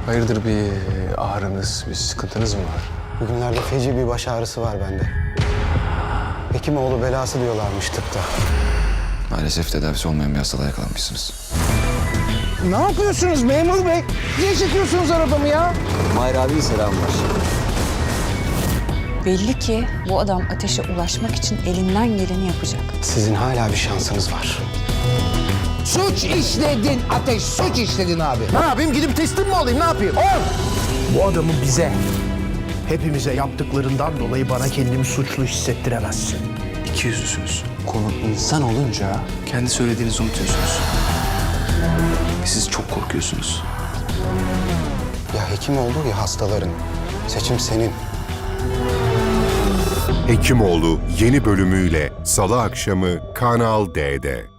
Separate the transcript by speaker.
Speaker 1: Hayırdır, bir ağrınız, bir sıkıntınız mı var?
Speaker 2: Bugünlerde feci bir baş ağrısı var bende. Hekimoğlu belası diyorlarmış tıpta.
Speaker 3: Maalesef tedavisi olmayan bir hastalığa yakalanmışsınız.
Speaker 4: Ne yapıyorsunuz memur bey? Niye çekiyorsunuz arabamı ya?
Speaker 2: Mahir abi selam var.
Speaker 5: Belli ki bu adam ateşe ulaşmak için elinden geleni yapacak.
Speaker 2: Sizin hala bir şansınız var.
Speaker 4: Suç işledin Ateş, suç işledin abi. Ne yapayım, gidip teslim mi olayım, ne yapayım?
Speaker 6: Bu adamın bize, hepimize yaptıklarından dolayı bana kendimi suçlu hissettiremezsin.
Speaker 1: İkiyüzlüsünüz. Konu insan olunca kendi söylediğinizi unutuyorsunuz. Siz çok korkuyorsunuz.
Speaker 2: Ya Hekimoğlu ya hastaların. Seçim senin.
Speaker 7: Hekimoğlu yeni bölümüyle Salı akşamı Kanal D'de.